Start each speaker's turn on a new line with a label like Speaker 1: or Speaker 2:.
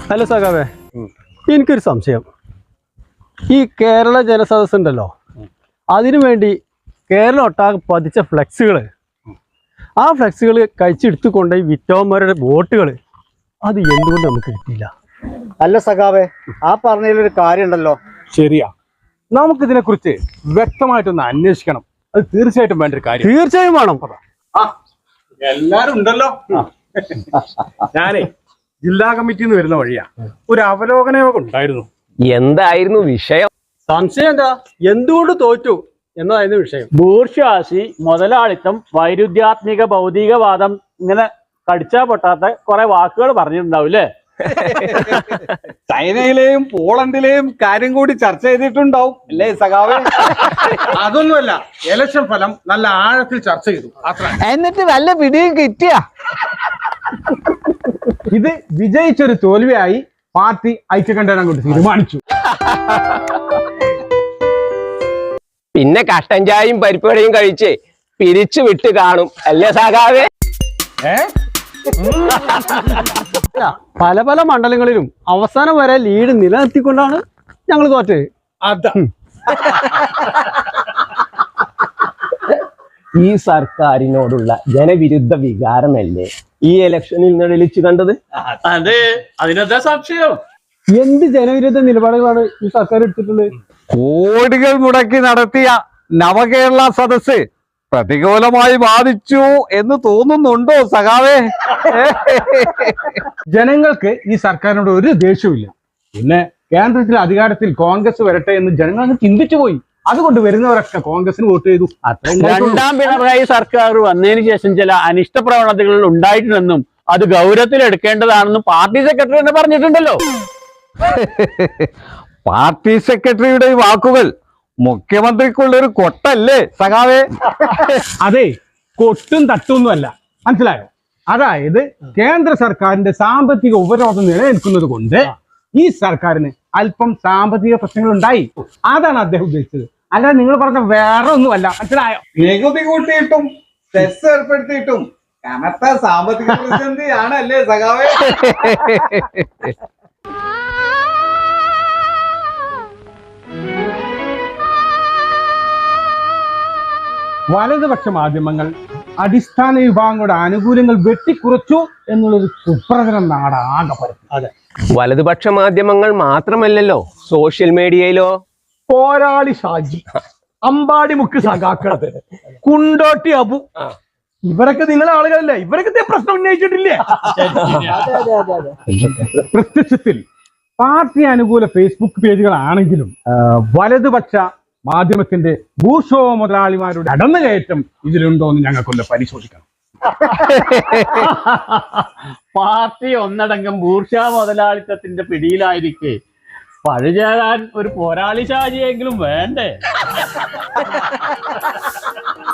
Speaker 1: Hello സഖാവേ, എനിക്കൊരു സംശയം. ഈ കേരള ജനസദസ് ഉണ്ടല്ലോ, അതിനു വേണ്ടി കേരളം ഒട്ടാകെ പതിച്ച ഫ്ലെക്സുകൾ, ആ ഫ്ലെക്സുകൾ കഴിച്ചെടുത്തു കൊണ്ടുപോയി വിറ്റോന്മാരുടെ വോട്ടുകൾ, അത് എന്തുകൊണ്ട് നമുക്ക് കിട്ടിയില്ല?
Speaker 2: അല്ല സഖാവേ, ആ പറഞ്ഞതിലൊരു കാര്യം ഉണ്ടല്ലോ.
Speaker 3: ശരിയാ, നമുക്കിതിനെ കുറിച്ച് വ്യക്തമായിട്ടൊന്ന് അന്വേഷിക്കണം. അത് തീർച്ചയായിട്ടും വേണ്ട ഒരു കാര്യം.
Speaker 1: തീർച്ചയായും വേണം.
Speaker 3: എല്ലാരും ഉണ്ടല്ലോ. ഞാനേ ജില്ലാ കമ്മിറ്റിന്ന് വരുന്ന വഴിയാ ഒരു അവലോകന യോഗം ഉണ്ടായിരുന്നു.
Speaker 4: എന്തായിരുന്നു വിഷയം?
Speaker 1: സംശയം എന്താ, എന്തുകൊണ്ട് തോറ്റു എന്നതായിരുന്നു വിഷയം.
Speaker 5: ബൂർഷ്വാസി, മുതലാളിത്തം, വൈരുദ്ധ്യാത്മിക ഭൗതികവാദം, ഇങ്ങനെ കടിച്ചാ പൊട്ടാത്ത കുറെ വാക്കുകൾ പറഞ്ഞിട്ടുണ്ടാവൂല്ലേ?
Speaker 3: ചൈനയിലെയും പോളണ്ടിലെയും കാര്യം കൂടി ചർച്ച ചെയ്തിട്ടുണ്ടാവും അല്ലേ സഖാവേ? അതൊന്നുമല്ല, ഇലക്ഷൻ ഫലം നല്ല ആഴത്തിൽ ചർച്ച ചെയ്തു അത്ര.
Speaker 4: എന്നിട്ട് വല്ല പിടിയും കിട്ടിയ?
Speaker 3: ഇത് വിജയിച്ചൊരു തോൽവിയായി പാർട്ടി ഐക്യകണ്ഠേനം കൊണ്ട് തീരുമാനിച്ചു.
Speaker 4: പിന്നെ കട്ടൻ ചായയും പരിപ്പടയും കഴിച്ച് പിരിച്ചു വിട്ട് കാണും അല്ലേ സഖാവേ?
Speaker 1: പല പല മണ്ഡലങ്ങളിലും അവസാനം വരെ ലീഡ് നിലനിർത്തിക്കൊണ്ടാണ് ഞങ്ങൾ തോറ്റത്.
Speaker 3: അതാ
Speaker 4: ഈ സർക്കാരിനോടുള്ള ജനവിരുദ്ധ വികാരമല്ലേ ഈ ഇലക്ഷനിൽ നിഴലിച്ചു കണ്ടത്?
Speaker 5: അതെ, അതിനെന്താ സംശയം?
Speaker 1: എന്ത് ജനവിരുദ്ധ നിലപാടുകളാണ് ഈ സർക്കാർ എടുത്തിട്ടുള്ളത്?
Speaker 6: കോടികൾ മുടക്കി നടത്തിയ നവകേരള സദസ് പ്രതികൂലമായി ബാധിച്ചു എന്ന് തോന്നുന്നുണ്ടോ സഖാവേ?
Speaker 3: ജനങ്ങൾക്ക് ഈ സർക്കാരിനോട് ഒരു ദേഷ്യമില്ല. പിന്നെ കേന്ദ്രത്തിൽ അധികാരത്തിൽ കോൺഗ്രസ് വരട്ടെ എന്ന് ജനങ്ങൾ ചിന്തിച്ചു പോയി. അതുകൊണ്ട് വരുന്നവരൊക്കെ കോൺഗ്രസിന് വോട്ട് ചെയ്തു.
Speaker 5: രണ്ടാം പിണറായി സർക്കാർ വന്നതിന് ശേഷം ചില അനിഷ്ട പ്രവണതകൾ ഉണ്ടായിട്ടുണ്ടെന്നും അത് ഗൗരവത്തിൽ എടുക്കേണ്ടതാണെന്നും പാർട്ടി സെക്രട്ടറി തന്നെ പറഞ്ഞിട്ടുണ്ടല്ലോ.
Speaker 6: പാർട്ടി സെക്രട്ടറിയുടെ വാക്കുകൾ മുഖ്യമന്ത്രിക്കുള്ളൊരു കൊട്ടല്ലേ സഖാവേ?
Speaker 3: അതെ, കൊട്ടും തട്ടൊന്നുമല്ല, മനസ്സിലായോ? അതായത് കേന്ദ്ര സർക്കാരിന്റെ സാമ്പത്തിക ഉപരോധം നിലനിൽക്കുന്നത് കൊണ്ട് ഈ സർക്കാരിന് അല്പം സാമ്പത്തിക പ്രശ്നങ്ങൾ ഉണ്ടായി. അതാണ് അദ്ദേഹം ഉദ്ദേശിച്ചത്. അല്ലാതെ നിങ്ങൾ പറഞ്ഞ വേറെ ഒന്നുമല്ല, മനസ്സിലായോ?
Speaker 6: നികുതി കൂട്ടിയിട്ടും സെസ് ഏർപ്പെടുത്തിയിട്ടും കനത്ത സാമ്പത്തിക പ്രതിസന്ധിയാണ് അല്ലേ സഖാവേ?
Speaker 3: വലതുപക്ഷ മാധ്യമങ്ങൾ അടിസ്ഥാന വിഭാഗങ്ങളുടെ ആനുകൂല്യങ്ങൾ വെട്ടിക്കുറച്ചു എന്നുള്ളൊരു കുപ്രചനം നാടാകെ പരത്തി.
Speaker 1: അതെ,
Speaker 4: വലതുപക്ഷ മാധ്യമങ്ങൾ മാത്രമല്ലല്ലോ, സോഷ്യൽ മീഡിയയിലോ
Speaker 3: പോരാളി ഷാജി, അമ്പാടി മുക്ക് സഖാക്കളത്, കുണ്ടോട്ടി അബു, ഇവരൊക്കെ നിങ്ങളെ ആളുകളല്ലേ? ഇവരൊക്കെ പ്രശ്നം ഉന്നയിച്ചിട്ടില്ലേ? പ്രത്യക്ഷത്തിൽ പാർട്ടി അനുകൂല ഫേസ്ബുക്ക് പേജുകളാണെങ്കിലും വലതുപക്ഷ മാധ്യമത്തിന്റെ ഭൂഷോ മുതലാളിമാരുടെ അടന്നുകയറ്റം ഇതിലുണ്ടോ എന്ന് ഞങ്ങൾക്കൊന്ന് പരിശോധിക്കണം.
Speaker 5: പാർട്ടി ഒന്നടങ്കം ബൂർഷ്വാ മുതലാളിത്തത്തിന്റെ പിടിയിലായിരിക്കെ പഴുചേരാൻ ഒരു പോരാളി ഷാജിയെങ്കിലും വേണ്ടേ?